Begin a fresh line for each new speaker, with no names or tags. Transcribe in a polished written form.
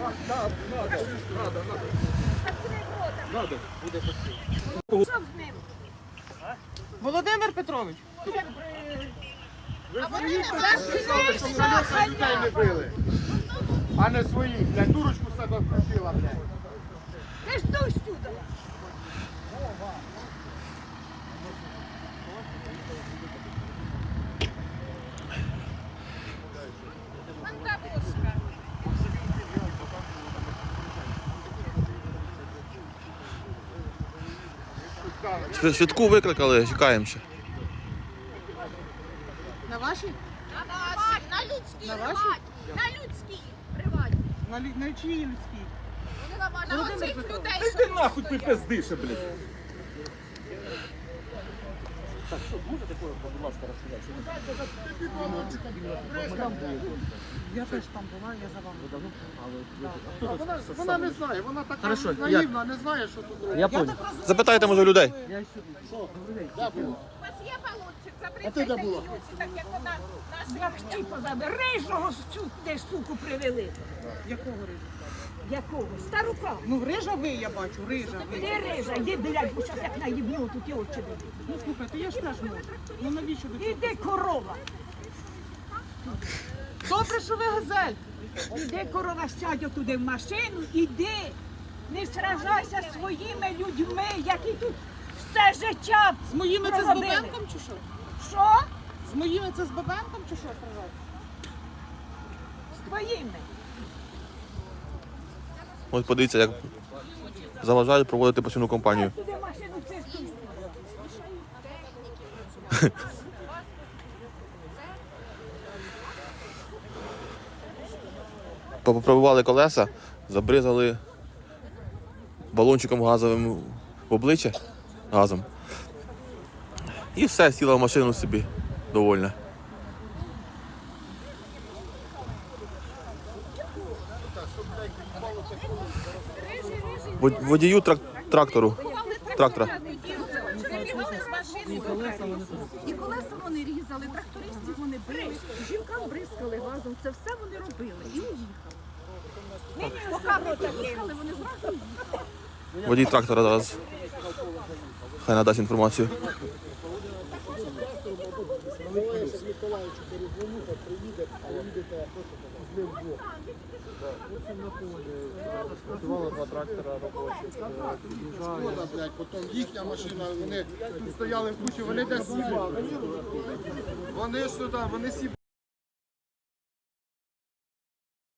Надо.
Володимир Петрович.
Ви своїх сказали, що колеса людей не били, а не своїх, блядь, дурочку з себе вкрутила, блядь.
Ти ж дуй сюди.
Швидку викликали, чекаємо ще.
На вашій?
На людській.
На вашій?
На людській. Приватній.
На чиїй людській?
На оцих людей.
Ти нахуй ти пиздише, блядь.
Я теж там була, я за вами.
Вона не знає, вона така наївна, не знає, що тут робить.
Я так
Запитайте, може, людей.
Я сюди.
У вас є балончик, запрещайте люди, так як вона нас як щіпа рижого сюди суку привели.
Якого рижа?
Якого? Старука.
Ну, рижа ви, я бачу, рижа ви.
Де рижа? Йди, блядь, бо зараз як наїбну, тут і очі дадуть.
Ну, слухайте, я ж теж можу. Ну, навіщо ви це?
Іди, корова.
Добре, що ви газель.
Іди, корова, сядь туди в машину, іди. Не сражайся зі своїми людьми, які тут все життя
З моїми це з
проробили.
Бабенком чи що?
Що?
З моїми це з Бабенком чи що сражати?
З твоїми.
Ось подивіться, як заважають проводити постійну кампанію.
Туди машину чисту.
Попробували колеса, забризали балончиком газовим в обличчя газом. І все, сіла в машину собі довольна. Водію трактора.
І колеса вони різали, трактористів вони били, жінкам бризкали газом, це все вони робили і уїхали. Поки ми їхали, вони зразу їхали.
Водій трактора зараз хай надасть інформацію.
Працювали два трактора робочих. Шкода, блядь, потім їхня машина, вони тут стояли в кучі, вони десь сібали. Вони ж туди, вони сібали.